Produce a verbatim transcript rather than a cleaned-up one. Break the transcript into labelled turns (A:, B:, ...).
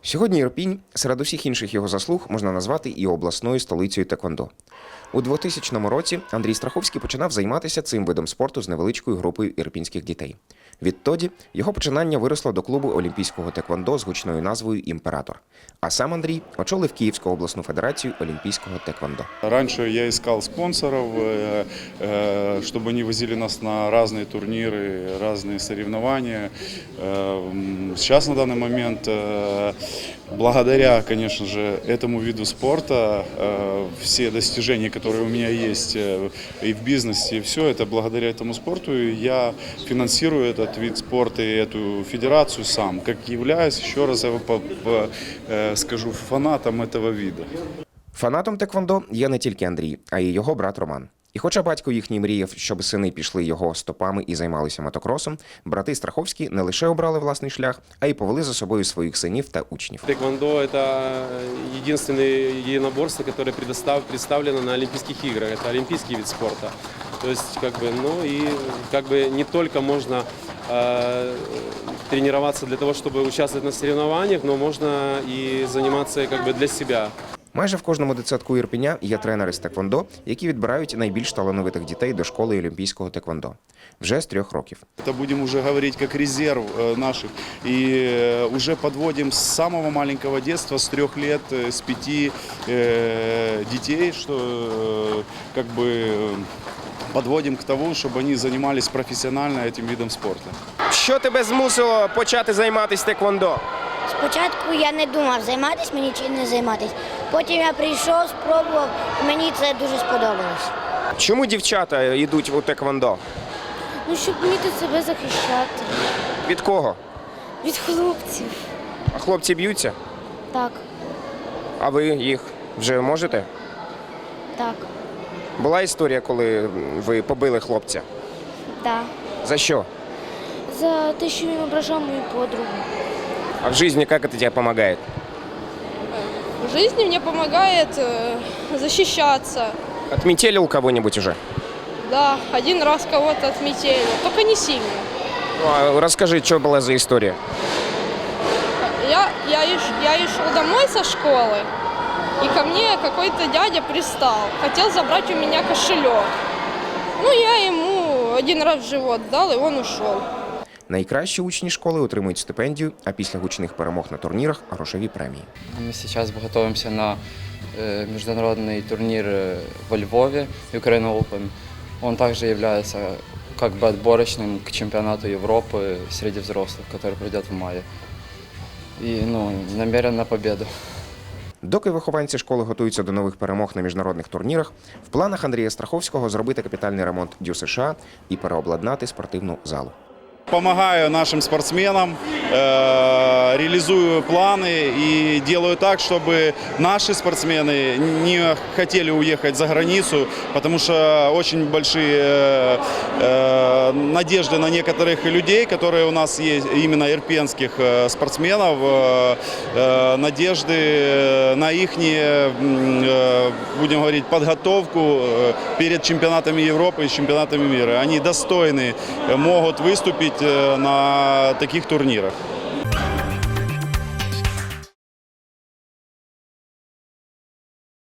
A: Сьогодні Ірпінь серед усіх інших його заслуг можна назвати і обласною столицею теквондо. У двохтисячному році Андрій Страховський починав займатися цим видом спорту з невеличкою групою ірпінських дітей. Відтоді його починання виросло до клубу олімпійського теквондо з гучною назвою «Імператор». А сам Андрій очолив Київську обласну федерацію олімпійського теквондо.
B: Раньше я искал спонсоров, чтобы они возили нас на разные турниры, разные соревнования. Сейчас на данный момент, благодаря, конечно же, этому виду спорта, все достижения, которые у меня есть и в бизнесе, и все это благодаря этому спорту. Я финансирую этот вид спорта и эту федерацию сам, как являюсь, еще раз скажу, фанатом этого вида.
A: Фанатом теквондо є не тільки Андрій, а й його брат Роман. І хоча батько їхній мріяв, щоб сини пішли його стопами і займалися мотокросом, брати Страховські не лише обрали власний шлях, а й повели за собою своїх синів та учнів.
C: Теквондо – это единственное единоборство, которое представлено на Олимпийских играх. Это олимпийский вид спорта. То есть, как бы, ну и как бы не только можно э, тренироваться для того, чтобы участвовать на соревнованиях, но можно и заниматься как бы для себя.
A: Майже в кожному дитсадку Ірпеня є тренери з теквондо, які відбирають найбільш талановитих дітей до школи олімпійського теквондо. Вже з трьох років.
B: Это будем уже говорить как резерв наших. И уже подводим с самого маленького детства, с трех лет, с пяти детей, что как бы подводим к тому, чтобы они занимались профессионально этим видом спорта.
A: Що тебе змусило почати займатися теквондо?
D: Спочатку я не думав, займатися мені чи не займатися. Потім я прийшов, спробував, і мені це дуже сподобалось.
A: Чому дівчата йдуть у теквондо?
D: Ну, щоб вміти себе захищати.
A: Від кого?
D: Від хлопців.
A: А хлопці б'ються?
D: Так,
A: А ви їх вже можете?
D: так,
A: Була історія, коли ви побили хлопця?
D: так.
A: За що?
D: За те, що він ображав мою подругу.
A: А в житті як це тебе допомагає?
E: В жизни мне помогает э, защищаться.
A: Отметелил кого-нибудь уже?
E: Да, один раз кого-то отметили, только не сильно.
A: Ну, а расскажи, что была за история?
E: Я, я, еш- я и шел домой со школы, и ко мне какой-то дядя пристал, хотел забрать у меня кошелек. Ну, я ему один раз в живот дал, и он ушел.
A: Найкращі учні школи отримують стипендію, а після гучних перемог на турнірах – грошові премії.
F: Мы сейчас готовимся на э, международный турнир э, во Львове, Ukraine Open. Он также является как бы отборочным к чемпионату Европы среди взрослых, который пройдет в мае. И ну, намерен на победу.
A: Доки вихованці школи готуються до нових перемог на міжнародних турнірах, в планах Андрія Страховського зробити капітальний ремонт ДЮСШ і переобладнати спортивну залу.
B: Помогаю нашим спортсменам, э, реализую планы и делаю так, чтобы наши спортсмены не хотели уехать за границу, потому что очень большие э, надежды на некоторых людей, которые у нас есть, именно ирпенских э, спортсменов, э, э, надежды на их, э, будем говорить, подготовку э, перед чемпионатами Европы и чемпионатами мира. Они достойны, могут выступить на таких турнирах.